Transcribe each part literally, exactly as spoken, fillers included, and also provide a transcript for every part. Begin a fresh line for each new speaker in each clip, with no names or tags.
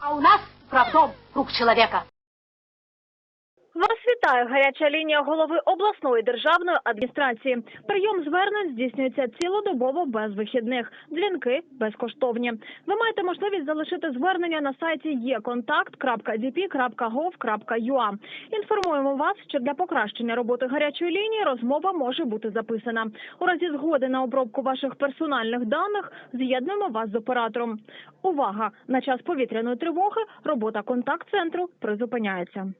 А у нас, правдом, рук человека.
Вас вітає гаряча лінія голови обласної державної адміністрації. Прийом звернень здійснюється цілодобово без вихідних. Дзвінки безкоштовні. Ви маєте можливість залишити звернення на сайті є контакт крапка ді пі крапка гов крапка ю а. Інформуємо вас, що для покращення роботи гарячої лінії розмова може бути записана. У разі згоди на обробку ваших персональних даних з'єднуємо вас з оператором. Увага! На час повітряної тривоги робота контакт-центру призупиняється.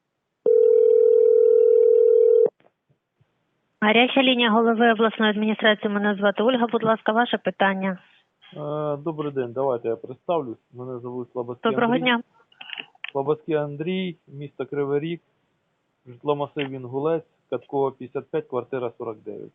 Гаряча лінія голови обласної адміністрації. Мене звати Ольга. Будь ласка, ваше питання.
Добрий день, давайте я представлюсь. Мене звуть Слободський
Доброго
Андрій.
дня.
Слободський Андрій, місто Кривий Ріг, житломасив Інгулець, Каткова п'ятдесят п'ять, квартира сорок дев'ять.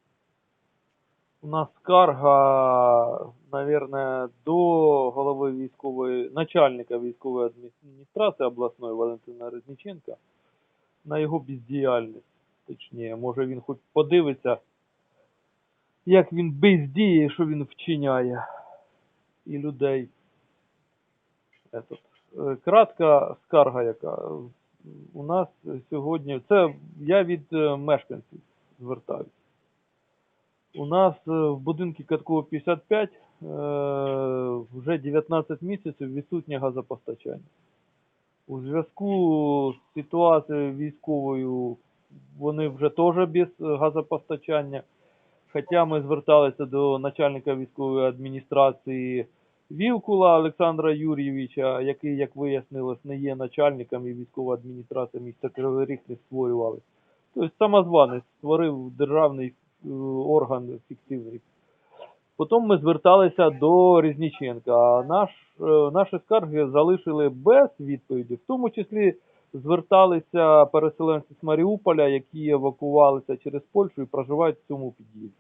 У нас скарга, наверное, до голови військової, начальника військової адміністрації обласної Валентина Резніченка на його бездіяльність. Точніше, може він хоч подивиться, як він бездіє, що він вчиняє і людей. Этот. Кратка скарга, яка у нас сьогодні, це я від мешканців звертаюся. У нас в будинку Каткова п'ятдесят п'ять вже дев'ятнадцять місяців відсутнє газопостачання. У зв'язку з ситуацією військовою вони вже теж без газопостачання. Хоча ми зверталися до начальника військової адміністрації Вілкула Олександра Юрійовича, який, як вияснилось, не є начальником і військова адміністрація міста Кривий Ріг не створювалася. Тобто самозванець створив державний орган фіктивний. Потім ми зверталися до Резніченка, а наш, наші скарги залишили без відповіді, в тому числі зверталися переселенці з Маріуполя, які евакувалися через Польщу і проживають в цьому під'їзді.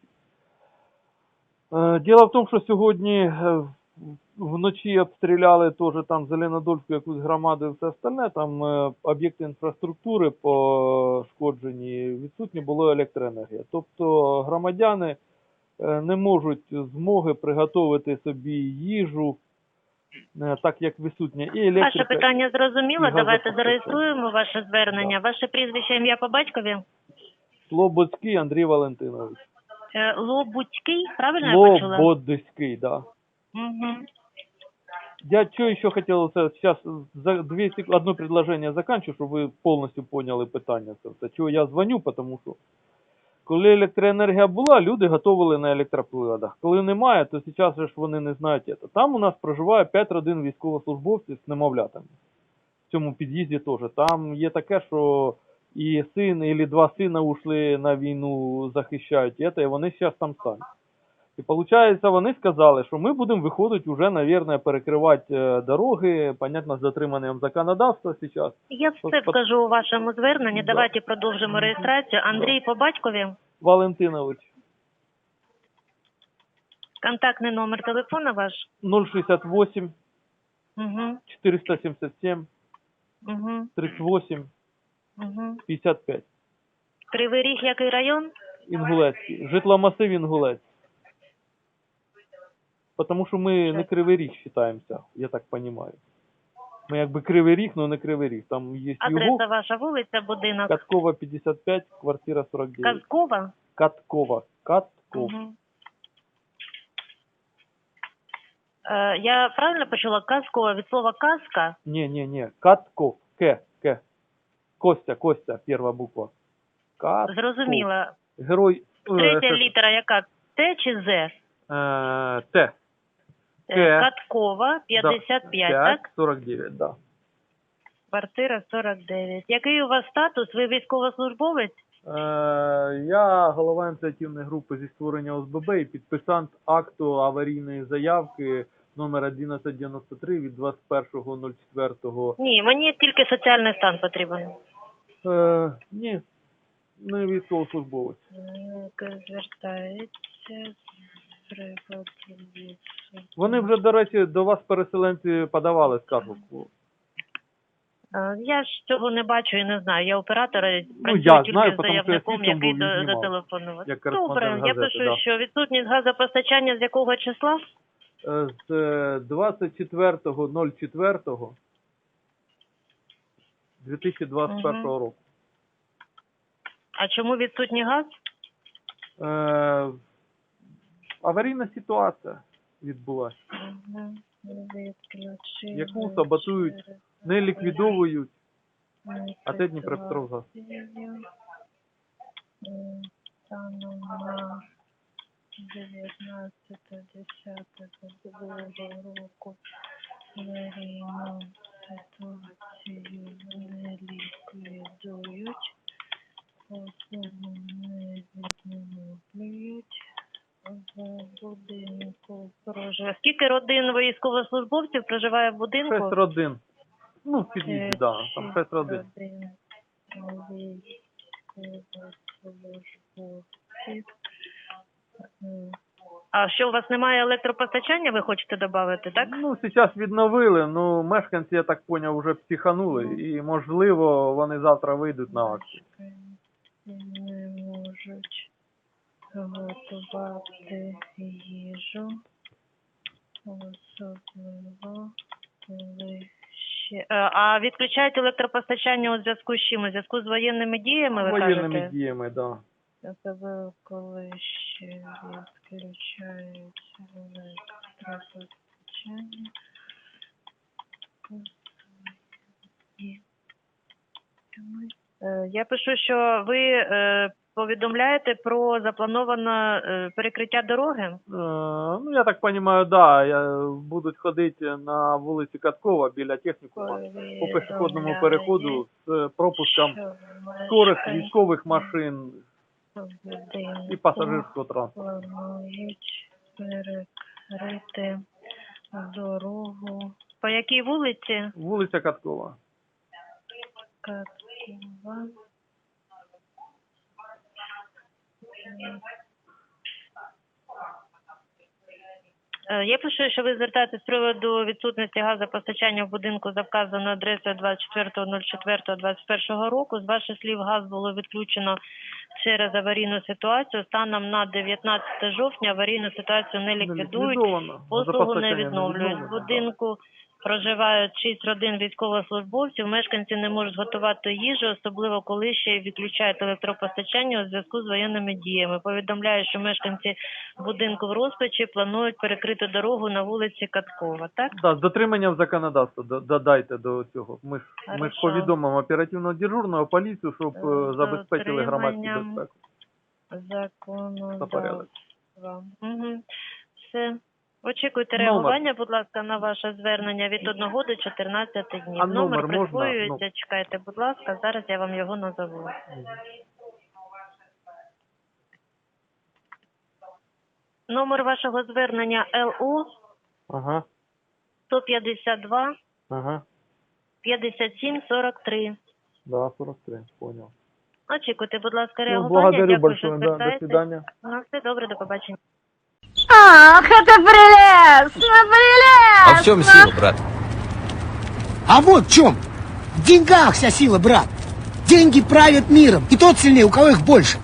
Діло в тому, що сьогодні вночі обстріляли теж там Зеленодольську якусь громаду і все остальне, там об'єкти інфраструктури пошкоджені, відсутні була електроенергія. Тобто громадяни не можуть змоги приготувати собі їжу, так як відсутня і електрика.
Ваше питання зрозуміло. Давайте зареєструємо ваше звернення. Да. Ваше прізвище, ім'я по батькові?
Слободський Андрій Валентинович.
Е, Лобудський, правильно я почула?
Лободський, да.
Угу.
Я что еще хотел, сейчас за две секунды, одно предложение заканчиваю, чтобы вы полностью поняли питання. Чого я дзвоню, тому що коли електроенергія була, люди готували на електроприладах. Коли немає, то зараз ж вони не знають це. Там у нас проживає п'ять родин військовослужбовців з немовлятами. В цьому під'їзді теж. Там є таке, що і син, і два сина ушли на війну, захищають це, і вони зараз там самі. І виходить, вони сказали, що ми будемо виходити вже, мабуть, перекривати дороги, понятно, з дотриманням законодавства зараз.
Я все вкажу у вашому зверненні. Да. Давайте продовжимо реєстрацію. Андрій да. по батькові?
Валентинович.
Контактний номер телефона ваш?
нуль шістдесят вісім,
угу.
чотириста сімдесят сім,
угу.
тридцять вісім,
угу.
п'ятдесят п'ять.
Кривий Ріг, який район?
Інгулецький. Житломасив Інгулець. Потому що ми не Кривий Ріг вважаємося, я так розумію. Ми якби Кривий Ріг, але не Кривий Ріг. Там є
Адреса
Югов,
ваша, вулиця, будинок?
Каткова п'ятдесят п'ять, квартира сорок дев'ять.
Казкова?
Каткова. Катков.
Угу. Е, я правильно почула? Казкова від слова казка?
Ні, ні, ні. Катков. К. К. Костя, Костя, перша буква. Катков.
Зрозуміла.
Герой.
Третя
е,
літера яка? Т чи З?
Е, Т.
К. Каткова, п'ятдесят п'ять,
да,
так?
сорок дев'ять, да.
Квартира сорок дев'ять. Який у вас статус? Ви військовослужбовець?
Е, я голова ініціативної групи зі створення О С Б Б і підписант акту аварійної заявки номер одинадцять дев'яносто три від двадцять першого ноль четвертого.
Ні, мені тільки соціальний стан потрібен.
Е, ні, не військовослужбовець.
Звертається.
Вони вже, до речі, до вас переселенці подавали скаргу.
Я ж цього не бачу і не знаю. Я оператор,
ну,
працюю
я
тільки
знаю,
з заявником,
я
який зателефонував.
Як
Добре,
газети,
я пишу,
да.
що відсутність газопостачання з якого числа?
Е, З двадцять четвертого четвертого дві тисячі двадцять першого року.
А чому відсутній газ?
Е, аварійна ситуація відбулася,
Угу. Відключили
яку саботують,
через
не ліквідовують, а це
ситуацію,
Дніпропетровгаз.
м, станом на дев'ятнадцяте десяте двадцять року аварійну ситуацію не ліквідують, особу не відновлюють. В будинку проживає. Скільки родин військовослужбовців проживає в будинку?
Шесть родин. Ну, в під'їзді, да, там шесть родин.
А що, у вас немає електропостачання, ви хочете додати, так?
Ну, зараз відновили, ну, мешканці, я так поняв, вже психанули, і, можливо, вони завтра вийдуть на акцію.
Не можуть готувати їжу, особливо коли ще... Е, А відключають електропостачання у зв'язку з чим? У зв'язку з воєнними діями, ви
Воєнними
кажете?
діями, так. Да.
Особливо коли ще відключають електропостачання. Е, Я пишу, що ви е, повідомляєте про заплановане е, перекриття дороги?
Е, ну, я так розумію, да, я, будуть ходити на вулиці Каткова біля технікума по пішохідному переходу з пропуском
Що
скорих
мешканці
військових машин
будинку
і пасажирського транспорту.
планують перекрити дорогу. По якій вулиці?
Вулиця Каткова.
Каткова. Е, Я пишу, що ви звертаєтесь з приводу відсутності газопостачання в будинку за вказаною адресою двадцять четвертого четвертого двадцять першого року. З ваших слів, газ було відключено через аварійну ситуацію. Станом на дев'ятнадцяте жовтня аварійну ситуацію не ліквідують,
Ліквідовано.
послугу не
Газопостачання
відновлюють. В
відновлено,
будинку проживають шість родин військовослужбовців. Мешканці не можуть готувати їжу, особливо коли ще й відключають електропостачання у зв'язку з воєнними діями. Повідомляю, що мешканці будинку в розпачі планують перекрити дорогу на вулиці Каткова. Так?
Да, з дотриманням законодавства до- додайте до цього. Ми ж, ми ж
Хорошо.
повідомимо оперативно дежурного поліцію, щоб е,
З
забезпечили громадську
дотриманням
безпеку та порядок.
Законодавства. Угу. Все. Очікуйте
Номер.
реагування, будь ласка, на ваше звернення від одного до чотирнадцяти днів.
А номер можна?
присвоюється,
Ну.
чекайте, будь ласка, зараз я вам його назову. Номер вашого звернення Л У
Ага,
сто п'ятдесят два
ага,
п'ятдесят сім сорок три.
да, сорок три, понял.
Очікуйте, будь ласка,
Ну,
реагування.
благодарю
Дякую, що
большое, да, до
звертаєтесь.
свидания.
Ну, все добре, до побачення.
Ах, это прелестно, прелестно!
А в чем сила, брат?
А вот в чем. В деньгах вся сила, брат. Деньги правят миром. И тот сильнее, у кого их больше.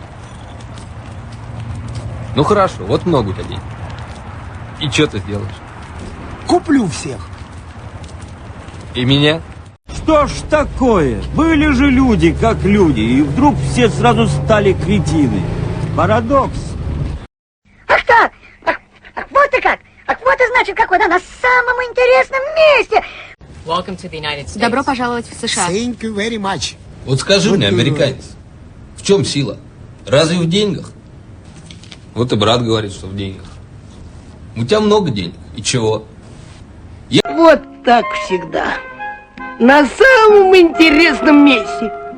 Ну хорошо, вот много у тебя денег. И что ты сделаешь?
Куплю всех.
И меня?
Что ж такое? Были же люди, как люди, и вдруг все сразу стали кретины. Парадокс.
Ах так! Ах, ах, вот и как! Ах, вот и значит, как вода на самом интересном месте!
Добро пожаловать в США.
Thank you very much.
Вот скажи
Вот
мне,
ты
американец, в чем сила? Разве в деньгах? Вот и брат говорит, что в деньгах. У тебя много денег. И чего?
Вот так всегда. На самом интересном месте.